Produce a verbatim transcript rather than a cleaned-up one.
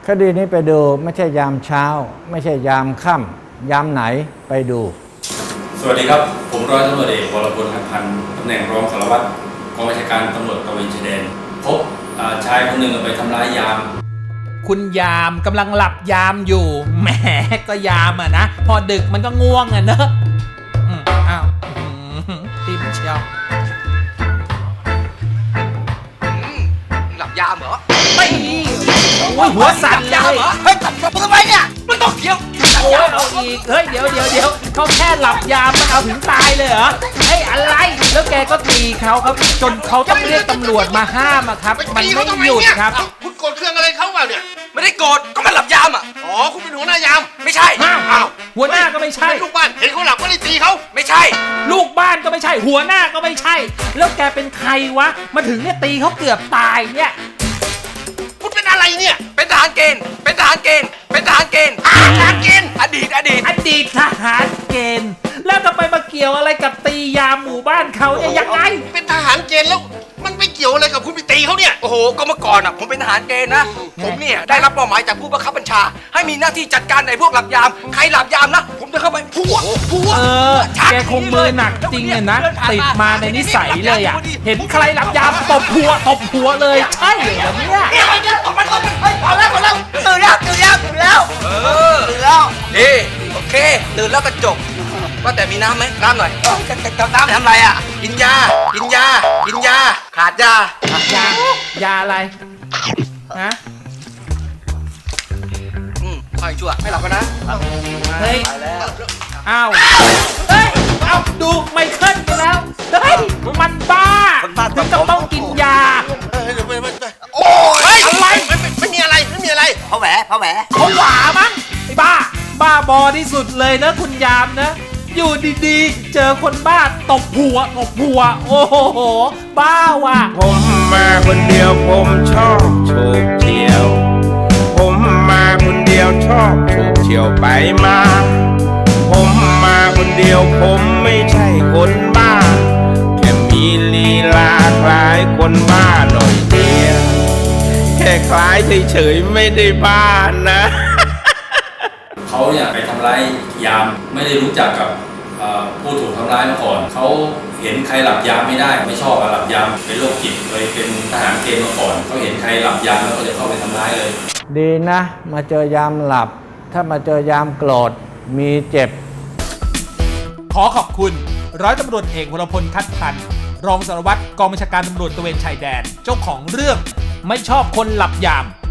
คดีนี้ไปดูไม่ใช่ยามเช้าไม่ใช่ยามค่ำยามไหนไปดูสวัสดีครับผมร้อยตำรวจเอกวรพล หัตถพันธ์ตำแหน่งรองสารวัตรกองบัญชาการตำรวจตระเวนชายแดนพบชายคนหนึ่งไปทำร้ายยามคุณยามกำลังหลับยามอยู่แหมก็ยามอ่ะนะพอดึกมันก็ง่วงอ่ะเนอะอืมอ้าวติมเชียวหลับยามเหรอไม่โอ้ยหัวสั่นเลยเฮ้ยมึงทำไมเนี่ยมันต้องเที่ยวโอ้ยเอาอีกเฮ้ยเดี๋ยวเดี๋ยวเดี๋ยวเขาแค่หลับยามมันเอาถึงตายเลยเหรอเฮ้ยอะไรแล้วแกก็ตีเขาครับจนเขาต้องเรียกตำรวจมาห้ามอะครับมันไม่หยุดครับคุณโกรธเครื่องอะไรเขาเปล่าเนี่ยไม่ได้โกรธก็มันหลับยามอ่ะอ๋อคุณเป็นหัวหน้ายามไม่ใช่อ้าวหัวหน้าก็ไม่ใช่ลูกบ้านเห็นเขาหลับก็ได้ตีเขาไม่ใช่ลูกบ้านก็ไม่ใช่หัวหน้าก็ไม่ใช่แล้วแกเป็นใครวะมาถึงเนี่ยตีเขาเกือบตายเนี่ยคุณเป็นอะไรเนี่ยเป็นทหารเกณฑ์เป็นทหารเกณฑ์เป็นทหารเกณฑ์ทหารเกณฑ์อดีตอดีตอดีตทหารเกณฑ์แล้วจะไปมาเกี่ยวอะไรกับตียามหมู่บ้านเขาเนี่ยยังไงเป็นทหารเกณฑ์แล้วมันไม่เกี่ยวอะไรกับคุณไปตีเขาเนี่ยโอ้โหก็เมื่อก่อนอ่ะผมเป็นทหารเกณฑ์นะผมเนี่ยได้รับมอบหมายจากผู้บังคับบัญชาให้มีหน้าที่จัดการในพวกหลับยามใครหลับยามนะผมจะเข้าไปพัวพัวเออแกคงมือหนักจริงเนี่ยนะติดมาในนิสัยเลยอ่ะเห็นใครหลับยามตบหัวตบหัวเลยใช่เหรอเนี่ยตบมันตบมันเฮ้ยพอแล้วพอแล้วตื่นแล้วตื่นแล้วตื่นแล้วเออตื่นแล้วดีโอเคตื่นแล้วก็จบว่าแต่มีน้ำไหมน้ำหน่อยจะจะน้ำทำไรอ่ะกินยากินยากินยาขาดยาขาดยายาอะไรฮะอืมคอยชั่วไม่หลับกันนะเฮ้ยอ้าวเฮ้ยเอ้าดูไมเคิลไปแล้วเฮ้ยมันบ้าถึงต้องกินยาโอ้ยอะไรไม่มีอะไรไม่มีอะไรเพราะแหวเพราะแหวเขาหวามั้งไอ้บ้าบ้าบอที่สุดเลยนะคุณยามนะอยู่ดีๆเจอคนบ้าตบหัวตบหัวโอ้โหบ้าว่ะผมมาคนเดียวผมชอบโฉบเฉี่ยวผมมาคนเดียวชอบโฉบเฉี่ยวไปมาผมมาคนเดียวผมไม่ใช่คนบ้าแค่มีลีลาคล้ายคนบ้าหน่อยเดียวแค่คล้ายเฉยๆไม่ได้บ้านะเขาเนี่ยไปทำร้ายยามไม่ได้รู้จักกับผู้ถูกทำร้ายมาก่อนเขาเห็นใครหลับยามไม่ได้ไม่ชอบหลับยามเป็นโรคจิตเคยเป็นทหารเกณฑ์มาก่อนเขาเห็นใครหลับยามแล้วก็จะเข้าไปทำร้ายเลยดีนะมาเจอยามหลับถ้ามาเจอยามโกรธมีเจ็บขอขอบคุณร้อยตำรวจเอกวรพล ทัดพันธ์รองสารวัตรกองบัญชาการตำรวจตระเวนชายแดนเจ้าของเรื่องไม่ชอบคนหลับยาม